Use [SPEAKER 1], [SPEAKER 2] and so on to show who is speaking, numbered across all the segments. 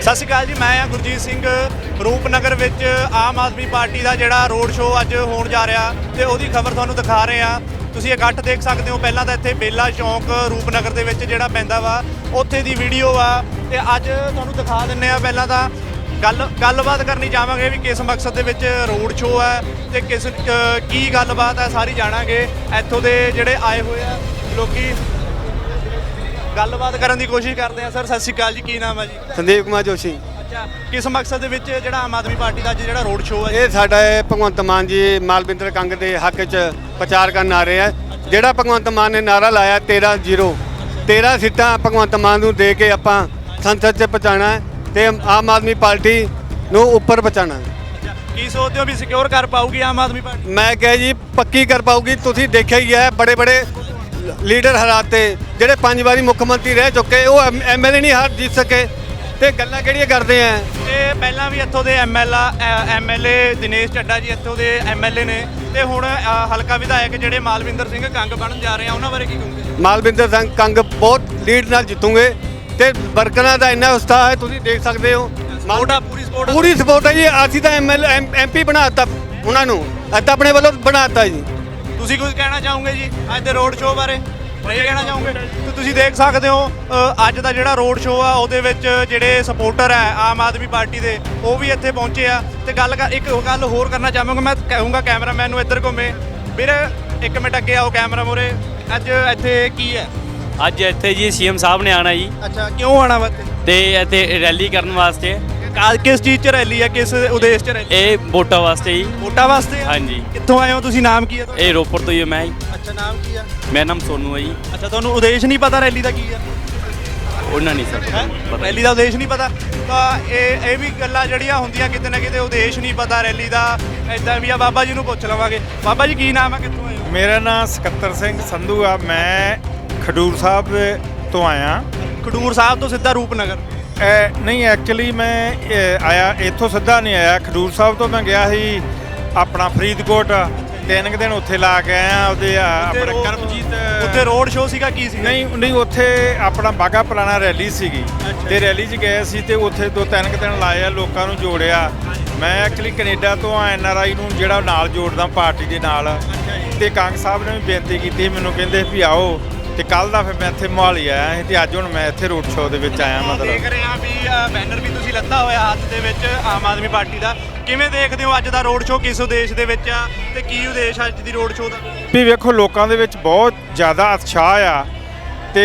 [SPEAKER 1] ਸਤਿ ਸ਼੍ਰੀ ਅਕਾਲ ਜੀ, ਮੈਂ ਗੁਰਜੀਤ ਸਿੰਘ। ਰੂਪਨਗਰ ਵਿੱਚ ਆਮ ਆਦਮੀ ਪਾਰਟੀ ਦਾ ਜਿਹੜਾ ਰੋਡ ਸ਼ੋਅ ਅੱਜ ਹੋਣ ਜਾ ਰਿਹਾ ਤੇ ਉਹਦੀ ਖਬਰ ਤੁਹਾਨੂੰ ਦਿਖਾ ਰਹੇ ਆ। ਤੁਸੀਂ ਇਕੱਠ ਦੇਖ ਸਕਦੇ ਹੋ। ਪਹਿਲਾਂ ਤਾਂ ਇੱਥੇ ਬੇਲਾ ਚੌਂਕ ਰੂਪਨਗਰ ਦੇ ਵਿੱਚ ਜਿਹੜਾ ਪੈਂਦਾ ਵਾ ਉੱਥੇ ਦੀ ਵੀਡੀਓ ਆ ਤੇ ਅੱਜ ਤੁਹਾਨੂੰ ਦਿਖਾ ਦਿੰਨੇ ਆ। ਪਹਿਲਾਂ ਤਾਂ ਗੱਲਬਾਤ ਕਰਨੀ ਚਾਹਾਂਗੇ ਵੀ ਕਿਸ ਮਕਸਦ ਦੇ ਵਿੱਚ ਰੋਡ ਸ਼ੋਅ ਹੈ ਤੇ ਕੀ ਗੱਲਬਾਤ ਹੈ, ਸਾਰੀ ਜਾਣਾਂਗੇ। ਇੱਥੋਂ ਦੇ ਜਿਹੜੇ ਆਏ ਹੋਏ ਆ ਲੋਕੀ ਗੱਲਬਾਤ ਕਰਨ ਦੀ ਕੋਸ਼ਿਸ਼ ਕਰਦੇ ਆ। ਸਰ ਸਤਿ ਸ਼੍ਰੀ ਅਕਾਲ ਜੀ, ਕੀ ਨਾਮ ਹੈ ਜੀ?
[SPEAKER 2] ਸੰਦੀਪ ਕੁਮਾਰ ਜੋਸ਼ੀ।
[SPEAKER 1] ਅੱਛਾ, ਕਿਸ ਮਕਸਦ ਦੇ ਵਿੱਚ ਜਿਹੜਾ ਆਮ ਆਦਮੀ ਪਾਰਟੀ ਦਾ ਅੱਜ ਜਿਹੜਾ ਰੋਡ ਸ਼ੋਅ ਹੈ?
[SPEAKER 2] ਇਹ ਸਾਡਾ ਭਗਵੰਤ ਮਾਨ ਜੀ ਮਾਲਵਿੰਦਰ ਕੰਗ ਦੇ ਹੱਕ 'ਚ ਪ੍ਰਚਾਰ ਕਰਨ ਆ ਰਹੇ ਆ। ਜਿਹੜਾ ਭਗਵੰਤ ਮਾਨ ਨੇ ਨਾਰਾ ਲਾਇਆ 13 ਸੀਟਾਂ ਭਗਵੰਤ ਮਾਨ ਨੂੰ ਦੇ ਕੇ ਆਪਾਂ ਸੰਸਦ 'ਚ ਪਹੁੰਚਾਉਣਾ ਹੈ ਤੇ ਆਮ ਆਦਮੀ ਪਾਰਟੀ ਨੂੰ ਉੱਪਰ ਪਹੁੰਚਾਉਣਾ ਹੈ।
[SPEAKER 1] ਕੀ ਸੋਚਦੇ ਹੋ ਵੀ ਸਿਕਿਉਰ ਕਰ ਪਾਊਗੀ ਆਮ ਆਦਮੀ ਪਾਰਟੀ?
[SPEAKER 2] ਮੈਂ ਕਿਹਾ ਜੀ ਪੱਕੀ ਕਰ ਪਾਊਗੀ। ਤੁਸੀਂ ਦੇਖਿਆ ਹੀ ਹੈ, ਬੜੇ ਲੀਡਰ ਹਰਾਤੇ ਜਿਹੜੇ 5 ਵਾਰੀ ਮੁੱਖ ਮੰਤਰੀ ਰਹਿ ਚੁੱਕੇ, ਉਹ ਐਮਐਲਏ ਨਹੀਂ ਹਾਰ ਜਿੱਤ ਸਕੇ ਤੇ ਗੱਲਾਂ ਕਿਹੜੀਆਂ ਕਰਦੇ ਆ।
[SPEAKER 1] ਤੇ ਪਹਿਲਾਂ ਵੀ ਇੱਥੋਂ ਦੇ ਐਮਐਲਏ ਦਿਨੇਸ਼ ਚੱਡਾ ਜੀ ਇੱਥੋਂ ਦੇ ਐਮਐਲਏ ਨੇ ਤੇ ਹੁਣ ਹਲਕਾ ਵਿਧਾਇਕ ਜਿਹੜੇ ਮਾਲਵਿੰਦਰ ਸਿੰਘ ਕੰਗ ਬਣਨ ਜਾ ਰਹੇ ਆ, ਉਹਨਾਂ ਬਾਰੇ ਕੀ ਕਹੋਗੇ?
[SPEAKER 2] ਮਾਲਵਿੰਦਰ ਸਿੰਘ ਕੰਗ ਬਹੁਤ ਲੀਡ ਨਾਲ ਜਿੱਤੂਗੇ ਤੇ ਵਰਕਰਾਂ ਦਾ ਇੰਨਾ ਉਤਸ਼ਾਹ ਹੈ, ਤੁਸੀਂ ਦੇਖ ਸਕਦੇ ਹੋ। ਪੂਰੀ ਸਪੋਰਟ ਹੈ ਜੀ। ਅਸੀਂ ਤਾਂ ਐਮਪੀ ਬਣਾਤਾ ਉਹਨਾਂ ਨੂੰ, ਅੱਜ ਆਪਣੇ ਵੱਲੋਂ ਬਣਾਤਾ ਜੀ।
[SPEAKER 1] ਤੁਸੀਂ ਕੁਝ ਕਹਿਣਾ ਚਾਹੋਗੇ ਜੀ ਅੱਜ ਦੇ ਰੋਡ ਸ਼ੋਅ ਬਾਰੇ? ਨਹੀਂ ਕਹਿਣਾ ਚਾਹੋਗੇ? ਤੇ ਤੁਸੀਂ ਦੇਖ ਸਕਦੇ ਹੋ ਅੱਜ ਦਾ ਜਿਹੜਾ ਰੋਡ ਸ਼ੋਅ ਆ ਉਹਦੇ ਵਿੱਚ ਜਿਹੜੇ ਸਪੋਰਟਰ ਹੈ ਆਮ ਆਦਮੀ ਪਾਰਟੀ ਦੇ ਉਹ ਵੀ ਇੱਥੇ ਪਹੁੰਚੇ ਆ। ਤੇ ਇੱਕ ਗੱਲ ਹੋਰ ਕਰਨਾ ਚਾਹਾਂਗਾ, ਮੈਂ ਕਹੂੰਗਾ ਕੈਮਰਾਮੈਨ ਨੂੰ ਇੱਧਰ ਘੁੰਮੇ। ਵੀਰ ਇੱਕ ਮਿੰਟ ਅੱਗੇ ਆਓ ਕੈਮਰਾ ਮੂਹਰੇ। ਅੱਜ ਇੱਥੇ ਕੀ ਹੈ?
[SPEAKER 3] ਅੱਜ ਇੱਥੇ ਜੀ ਸੀਐਮ ਸਾਹਿਬ ਨੇ ਆਣਾ ਜੀ।
[SPEAKER 1] ਅੱਛਾ, ਕਿਉਂ ਆਣਾ ਵਾ?
[SPEAKER 3] ਤੇ ਇੱਥੇ ਰੈਲੀ ਕਰਨ ਵਾਸਤੇ।
[SPEAKER 1] ਕਿਸ ਚੀਜ਼ 'ਚ ਰੈਲੀ ਆ, ਕਿਸ ਉਦੇਸ਼ 'ਚ ਰੈਲੀ?
[SPEAKER 3] ਇਹ ਵੋਟਾਂ ਵਾਸਤੇ ਜੀ।
[SPEAKER 1] ਵੋਟਾਂ ਵਾਸਤੇ?
[SPEAKER 3] ਹਾਂਜੀ।
[SPEAKER 1] ਕਿੱਥੋਂ ਆਏ ਹੋ ਤੁਸੀਂ? ਨਾਮ ਕੀ ਹੈ ਤੁਹਾਡਾ?
[SPEAKER 3] ਇਹ ਰੋਪੜ ਤੋਂ ਹੀ ਮੈਂ ਜੀ।
[SPEAKER 1] ਅੱਛਾ, ਨਾਮ ਕੀ ਆ?
[SPEAKER 3] ਮੇਰਾ ਨਾਮ ਸੋਨੂ ਹੈ ਜੀ।
[SPEAKER 1] ਅੱਛਾ, ਤੁਹਾਨੂੰ ਉਦੇਸ਼ ਨਹੀਂ ਪਤਾ ਰੈਲੀ ਦਾ ਕੀ ਆ?
[SPEAKER 3] ਉਹਨਾਂ ਨਹੀਂ ਸਰ ਪਤਾ।
[SPEAKER 1] ਰੈਲੀ ਦਾ ਉਦੇਸ਼ ਨਹੀਂ ਪਤਾ? ਤਾਂ ਇਹ ਵੀ ਗੱਲਾਂ ਜਿਹੜੀਆਂ ਹੁੰਦੀਆਂ ਕਿਤੇ ਨਾ ਕਿਤੇ, ਉਦੇਸ਼ ਨਹੀਂ ਪਤਾ ਰੈਲੀ ਦਾ, ਇਦਾਂ ਵੀ ਆ। ਬਾਬਾ ਜੀ ਨੂੰ ਪੁੱਛ ਲਵਾਂਗੇ। ਬਾਬਾ ਜੀ ਕੀ ਨਾਮ ਹੈ, ਕਿੱਥੋਂ ਆਏ ਹੋ?
[SPEAKER 4] ਮੇਰਾ ਨਾਮ ਸਕੱਤਰ ਸਿੰਘ ਸੰਧੂ ਆ। ਮੈਂ ਖਡੂਰ ਸਾਹਿਬ ਤੋਂ ਆਇਆ।
[SPEAKER 1] ਖਡੂਰ ਸਾਹਿਬ ਤੋਂ ਸਿੱਧਾ ਰੂਪਨਗਰ?
[SPEAKER 4] ਨਹੀਂ, ਐਕਚੁਅਲੀ ਮੈਂ ਆਇਆ ਇੱਥੋਂ ਸਿੱਧਾ ਨਹੀਂ ਆਇਆ। ਖਡੂਰ ਸਾਹਿਬ ਤੋਂ ਮੈਂ ਗਿਆ ਸੀ ਆਪਣਾ ਫਰੀਦਕੋਟ, 3 ਦਿਨ ਉੱਥੇ ਲਾ ਕੇ ਆਇਆ। ਉਹਦੇ ਆਪਣੇ ਕਰਮਜੀਤ
[SPEAKER 1] ਉੱਥੇ ਰੋਡ ਸ਼ੋਅ ਸੀਗਾ, ਕੀ ਸੀ?
[SPEAKER 4] ਨਹੀਂ, ਉੱਥੇ ਆਪਣਾ ਬਾਗਾ ਪੁਰਾਣਾ ਰੈਲੀ ਸੀਗੀ ਤੇ ਰੈਲੀ 'ਚ ਗਏ ਸੀ ਤੇ ਉੱਥੇ 2-3 ਦਿਨ ਲਾਏ ਆ, ਲੋਕਾਂ ਨੂੰ ਜੋੜਿਆ। ਮੈਂ ਐਕਚੁਅਲੀ ਕੈਨੇਡਾ ਤੋਂ ਆ, NRI ਨੂੰ ਜਿਹੜਾ ਨਾਲ ਜੋੜਦਾ ਪਾਰਟੀ ਦੇ ਨਾਲ। ਤੇ ਕੰਗ ਸਾਹਿਬ ਨੇ ਵੀ ਬੇਨਤੀ ਕੀਤੀ, ਮੈਨੂੰ ਕਹਿੰਦੇ ਵੀ ਆਓ। ਤੇ ਕੱਲ ਦਾ ਫਿਰ ਮੈਂ ਇੱਥੇ ਮੋਹਾਲੀ ਆਇਆ ਸੀ ਤੇ ਅੱਜ ਹੁਣ ਮੈਂ ਇੱਥੇ ਰੋਡ ਸ਼ੋਅ ਦੇ ਵਿੱਚ ਆਇਆ। ਮਤਲਬ
[SPEAKER 1] ਦੇਖ ਰਹੇ ਆ ਵੀ ਬੈਨਰ ਵੀ ਤੁਸੀਂ ਲੱਤਾ ਹੋਇਆ ਹੱਥ ਦੇ ਵਿੱਚ ਆਮ ਆਦਮੀ ਪਾਰਟੀ ਦਾ। ਕਿਵੇਂ ਦੇਖਦੇ ਹੋ ਅੱਜ ਦਾ ਰੋਡ ਸ਼ੋਅ? ਕਿਸ ਉਦੇਸ਼ ਦੇ ਵਿੱਚ ਆ ਤੇ ਕੀ ਉਦੇਸ਼ ਅੱਜ ਦੀ ਰੋਡ ਸ਼ੋਅ ਦਾ?
[SPEAKER 4] ਵੀ ਵੇਖੋ, ਲੋਕਾਂ ਦੇ ਵਿੱਚ ਬਹੁਤ ਜ਼ਿਆਦਾ ਉਤਸ਼ਾਹ ਆ ਤੇ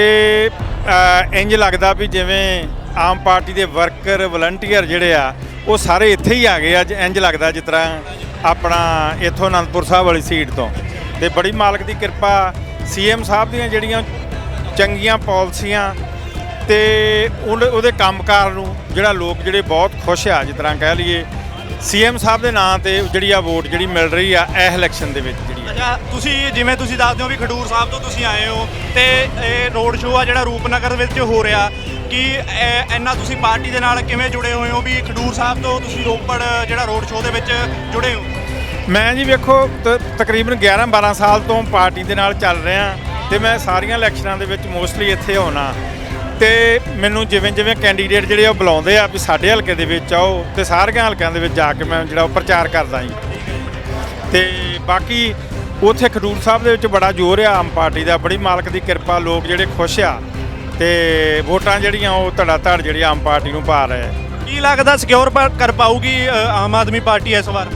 [SPEAKER 4] ਇੰਜ ਲੱਗਦਾ ਵੀ ਜਿਵੇਂ ਆਮ ਪਾਰਟੀ ਦੇ ਵਰਕਰ ਵਲੰਟੀਅਰ ਜਿਹੜੇ ਆ ਉਹ ਸਾਰੇ ਇੱਥੇ ਹੀ ਆ ਗਏ ਅੱਜ। ਇੰਜ ਲੱਗਦਾ ਜਿਸ ਤਰ੍ਹਾਂ ਆਪਣਾ ਇੱਥੋਂ ਅਨੰਦਪੁਰ ਸਾਹਿਬ ਵਾਲੀ ਸੀਟ ਤੋਂ। ਤੇ ਬੜੀ ਮਾਲਕ ਦੀ ਕਿਰਪਾ, ਸੀਐਮ ਸਾਹਿਬ ਦੀਆਂ ਜਿਹੜੀਆਂ ਚੰਗੀਆਂ ਪਾਲਿਸੀਆਂ ਤੇ ਉਹਦੇ ਕੰਮਕਾਰ ਨੂੰ ਜਿਹੜਾ ਲੋਕ ਜਿਹੜੇ ਬਹੁਤ ਖੁਸ਼ ਆ। ਜਿਸ ਤਰ੍ਹਾਂ ਕਹਿ ਲਈਏ ਸੀਐਮ ਸਾਹਿਬ ਦੇ ਨਾਂ ਤੇ ਜਿਹੜੀ ਆ ਵੋਟ ਜਿਹੜੀ ਮਿਲ ਰਹੀ ਆ ਇਸ ਇਲੈਕਸ਼ਨ ਦੇ ਵਿੱਚ ਜਿਹੜੀ।
[SPEAKER 1] ਅੱਛਾ, ਜਿਵੇਂ ਤੁਸੀਂ ਦੱਸਦੇ ਹੋ ਵੀ ਖਡੂਰ ਸਾਹਿਬ ਤੋਂ ਤੁਸੀਂ ਆਏ ਹੋ ਤੇ ਇਹ ਰੋਡ ਸ਼ੋਅ ਆ ਜਿਹੜਾ ਰੂਪਨਗਰ ਵਿੱਚ ਹੋ ਰਿਹਾ, ਕਿ ਇੰਨਾ ਤੁਸੀਂ ਪਾਰਟੀ ਦੇ ਨਾਲ ਕਿਵੇਂ ਜੁੜੇ ਹੋਏ ਹੋ ਵੀ ਖਡੂਰ ਸਾਹਿਬ ਤੋਂ ਤੁਸੀਂ ਰੋਪੜ ਜਿਹੜਾ ਰੋਡ ਸ਼ੋਅ ਦੇ ਵਿੱਚ ਜੁੜੇ ਹੋ?
[SPEAKER 4] ਮੈਂ ਜੀ ਵੇਖੋ ਤਕਰੀਬਨ 11-12 ਸਾਲ ਤੋਂ ਪਾਰਟੀ ਦੇ ਨਾਲ ਚੱਲ ਰਿਹਾ ਤੇ ਮੈਂ ਸਾਰੀਆਂ ਇਲੈਕਸ਼ਨਾਂ ਦੇ ਵਿੱਚ ਮੋਸਟਲੀ ਇੱਥੇ ਹੋਣਾ। ਤੇ ਮੈਨੂੰ ਜਿਵੇਂ ਕੈਂਡੀਡੇਟ ਜਿਹੜੇ ਉਹ ਬੁਲਾਉਂਦੇ ਆ ਵੀ ਸਾਡੇ ਹਲਕੇ ਦੇ ਵਿੱਚ ਆਓ, ਤੇ ਸਾਰੀਆਂ ਹਲਕਿਆਂ ਦੇ ਵਿੱਚ ਜਾ ਕੇ ਮੈਂ ਜਿਹੜਾ ਉਹ ਪ੍ਰਚਾਰ ਕਰਦਾ ਜੀ। ਤੇ ਬਾਕੀ ਉੱਥੇ ਖਡੂਰ ਸਾਹਿਬ ਦੇ ਵਿੱਚ ਬੜਾ ਜ਼ੋਰ ਆ ਆਮ ਪਾਰਟੀ ਦਾ, ਬੜੀ ਮਾਲਕ ਦੀ ਕਿਰਪਾ, ਲੋਕ ਜਿਹੜੇ ਖੁਸ਼ ਆ ਤੇ ਵੋਟਾਂ ਜਿਹੜੀਆਂ ਉਹ ਧੜਾ ਜਿਹੜੀ ਆਮ ਪਾਰਟੀ ਨੂੰ ਪਾ ਰਹੇ ਆ।
[SPEAKER 1] ਕੀ ਲੱਗਦਾ ਸਿਕਿਉਰ ਕਰ ਪਾਊਗੀ ਆਮ ਆਦਮੀ ਪਾਰਟੀ ਇਸ ਵਾਰ?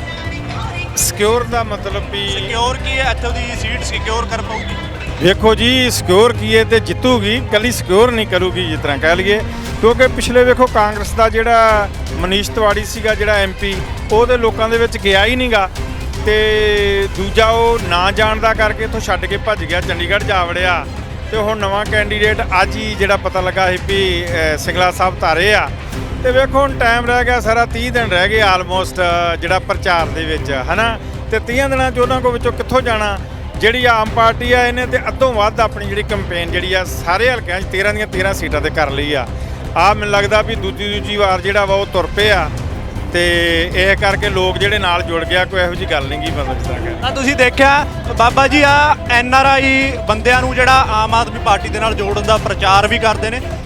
[SPEAKER 4] ਸਿਕਿਉਰ ਦਾ ਮਤਲਬ ਵੀ
[SPEAKER 1] ਸਿਕਿਉਰ ਕੀ ਹੈ? ਇੱਥੋਂ ਦੀ ਸੀਟ ਸਿਕਿਉਰ ਕਰ ਪਾਊਗੀ?
[SPEAKER 4] ਵੇਖੋ ਜੀ, ਸਿਕਿਉਰ ਕੀ ਹੈ ਤੇ ਜਿੱਤੂਗੀ, ਕੱਲੀ ਸਿਕਿਉਰ ਨਹੀਂ ਕਰੂਗੀ ਜਿਸ ਤਰ੍ਹਾਂ ਕਹਿ ਲਈਏ। ਕਿਉਂਕਿ ਪਿਛਲੇ ਵੇਖੋ ਕਾਂਗਰਸ ਦਾ ਜਿਹੜਾ ਮਨੀਸ਼ ਤਿਵਾੜੀ ਸੀਗਾ ਜਿਹੜਾ MP, ਉਹਦੇ ਲੋਕਾਂ ਦੇ ਵਿੱਚ ਗਿਆ ਹੀ ਨਹੀਂਗਾ। ਤੇ ਦੂਜਾ ਉਹ ਨਾ ਜਾਣਦਾ ਕਰਕੇ ਇੱਥੋਂ ਛੱਡ ਕੇ ਭੱਜ ਗਿਆ, ਚੰਡੀਗੜ੍ਹ ਜਾ ਵੜਿਆ। ਤੇ ਹੁਣ ਨਵਾਂ ਕੈਂਡੀਡੇਟ ਅੱਜ ਹੀ ਜਿਹੜਾ ਪਤਾ ਲੱਗਾ ਸੀ ਵੀ ਸਿੰਗਲਾ ਸਾਹਿਬ ਧਾਰੇ ਆ। ਤੇ ਵੇਖੋ ਹੁਣ ਟਾਈਮ ਰਹਿ ਗਿਆ ਸਾਰਾ 30 ਦਿਨ ਰਹਿ ਗਏ ਆਲਮੋਸਟ ਜਿਹੜਾ ਪ੍ਰਚਾਰ ਦੇ ਵਿੱਚ, ਹੈ ਨਾ। ਤੇ 30 ਦਿਨਾਂ 'ਚ ਉਹਨਾਂ ਕੋਲ ਵਿੱਚੋਂ ਕਿੱਥੋਂ ਜਾਣਾ? ਜਿਹੜੀ ਆਮ ਪਾਰਟੀ ਆ ਇਹਨੇ ਤੇ ਅੱਧੋਂ ਵੱਧ ਆਪਣੀ ਜਿਹੜੀ ਕੰਪੇਨ ਜਿਹੜੀ ਆ ਸਾਰੇ ਹਲਕਿਆਂ 'ਚ 13 ਦੀਆਂ 13 ਸੀਟਾਂ ਤੇ ਕਰ ਲਈ ਆ। ਮੈਨੂੰ ਲੱਗਦਾ ਵੀ ਦੂਜੀ ਵਾਰ ਜਿਹੜਾ ਵਾ ਉਹ ਤੁਰ ਪਏ ਆ। ਤੇ ਇਹ ਕਰਕੇ ਲੋਕ ਜਿਹੜੇ ਨਾਲ ਜੁੜ ਗਿਆ, ਕੋਈ ਇਹੋ ਜਿਹੀ ਗੱਲ ਨਹੀਂ ਗੀ ਮਤਲਬ ਜਿਸ
[SPEAKER 1] ਤਾਂ ਤੁਸੀਂ ਦੇਖਿਆ ਬਾਬਾ ਜੀ ਆ NRI ਬੰਦਿਆਂ ਨੂੰ ਜਿਹੜਾ ਆਮ ਆਦਮੀ ਪਾਰਟੀ ਦੇ ਨਾਲ ਜੋੜਨ ਦਾ ਪ੍ਰਚਾਰ ਵੀ ਕਰਦੇ ਨੇ